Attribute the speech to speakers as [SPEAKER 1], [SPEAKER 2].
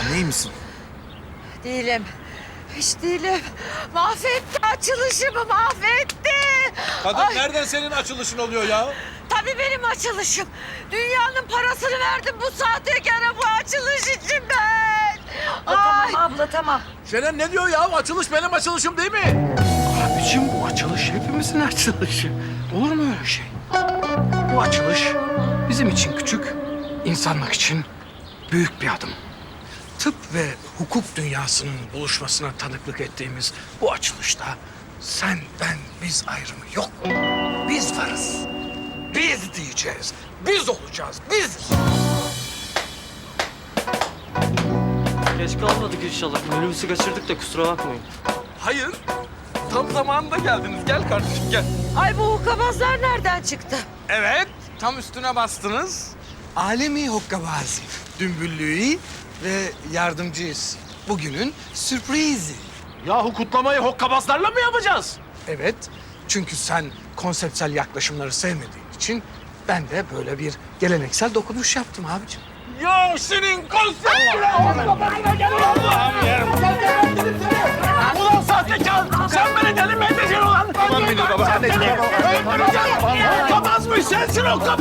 [SPEAKER 1] Sen iyi misin?
[SPEAKER 2] Değilim. Hiç değilim. Mahvetti açılışımı, mahvetti.
[SPEAKER 3] Kadın
[SPEAKER 2] Ay,
[SPEAKER 3] nereden senin açılışın oluyor ya?
[SPEAKER 2] tabii benim açılışım. Dünyanın parasını verdim bu sahtekara bu açılış için ben. Ay.
[SPEAKER 4] Tamam abla tamam.
[SPEAKER 3] Şenen ne diyor ya? Açılış benim açılışım değil mi?
[SPEAKER 1] Abicim bu açılış hepimizin açılışı. Olur mu öyle şey? Bu açılış bizim için küçük, insanlık için büyük bir adım. Tıp ve hukuk dünyasının buluşmasına tanıklık ettiğimiz bu açılışta sen, ben, biz ayrımı yok. Biz varız. Biz diyeceğiz. Biz olacağız. Biz.
[SPEAKER 5] Geç kalmadık inşallah. Minibüsü kaçırdık da kusura bakmayın.
[SPEAKER 6] Hayır. Tam zamanında geldiniz. Gel kardeşim gel.
[SPEAKER 2] Ay bu hukkabazlar nereden çıktı?
[SPEAKER 6] Evet. Tam üstüne bastınız.
[SPEAKER 1] Alemi Hokkabazi, Dümbüllüğü ve yardımcıyız. Bugünün sürprizi.
[SPEAKER 3] Yahu kutlamayı hokkabazlarla mı yapacağız?
[SPEAKER 1] Evet, çünkü sen konseptsel yaklaşımları sevmediğin için ben de böyle bir geleneksel dokunuş yaptım abicim.
[SPEAKER 3] Ya senin konseptine Allah'ım yerim. Ulan sahtekar! Sen beni deli mi edeceksin ulan? Tamam beni baba. Öldüreceğim. Hokkabaz mı? Sensin hokkabaz.